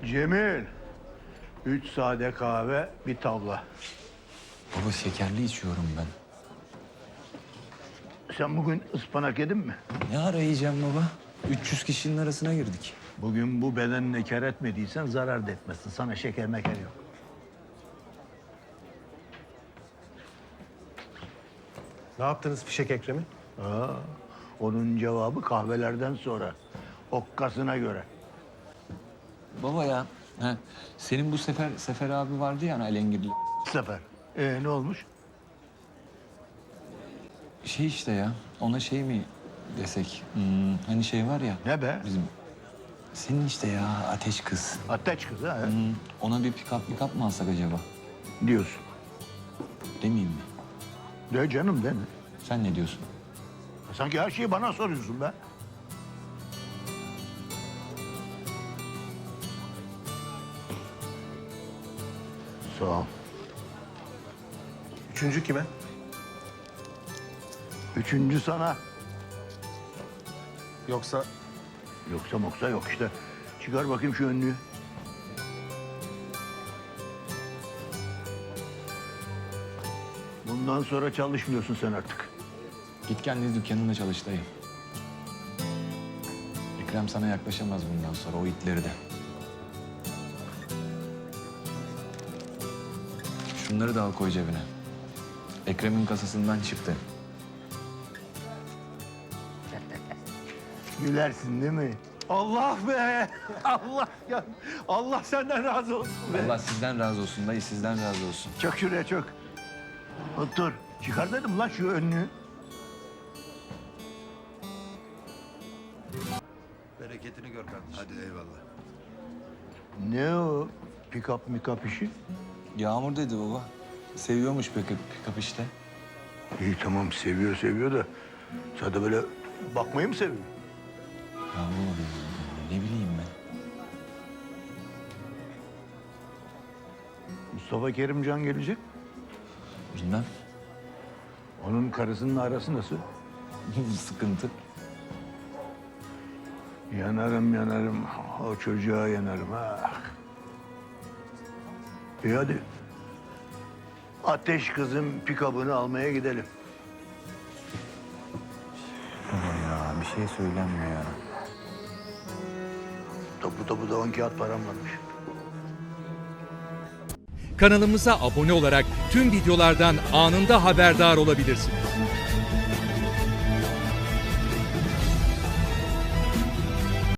Cemil, 3 sade kahve, bir tavla. Baba şekerli içiyorum ben. Sen bugün ıspanak yedin mi? Ne ara yiyeceğim baba? 300 kişinin arasına girdik. Bugün bu bedenine kar etmediysen zarar da etmezsin. Sana şeker meker yok. Ne yaptınız fişek Ekrem'i? Onun cevabı kahvelerden sonra. Okkasına göre. Baba ya, senin bu Sefer abi vardı ya hani Alengirli. Sefer. Ne olmuş? Şey işte ya, ona şey mi desek? Hani şey var ya. Ne be? Bizim, senin işte ya ateş kız. Ateş kızı ha? Ona bir pick-up mı alsak acaba? Diyorsun. Demeyeyim mi? De canım de mi? Sen ne diyorsun? Sanki her şeyi bana soruyorsun be. Sağ ol. Üçüncü kime? Üçüncü sana. Yoksa Yoksa moksa yok işte. Çıkar bakayım şu önlüğü. Bundan sonra çalışmıyorsun sen artık. Git kendi dükkanında çalış dayı. Ekrem sana yaklaşamaz bundan sonra, o itleri de. Şunları da al koy cebine. Ekrem'in kasasından çıktı. Gülersin değil mi? Allah be! Allah ya! Allah senden razı olsun be! Allah sizden razı olsun dayı, sizden razı olsun. Çök şuraya çök. Otur. Çıkar dedim lan şu önlüğü. Bereketini gör kardeşim. Hadi eyvallah. Ne o? Pick-up mikap işi? Yağmur dedi baba. Seviyormuş pick-up işte. İyi tamam seviyor da sen de böyle bakmayı mı seviyorsun? Ya baba, ne bileyim ben. Mustafa Kerimcan gelecek. Bilmem. Onun karısının arası nasıl? Sıkıntı. Yanarım. O çocuğa yanarım. Ah. İyi hadi. Ateş kızın pikabını almaya gidelim. Baba ya, bir şey söylenmiyor ya. Tapu 10 kağıt param varmış. Kanalımıza abone olarak tüm videolardan anında haberdar olabilirsiniz.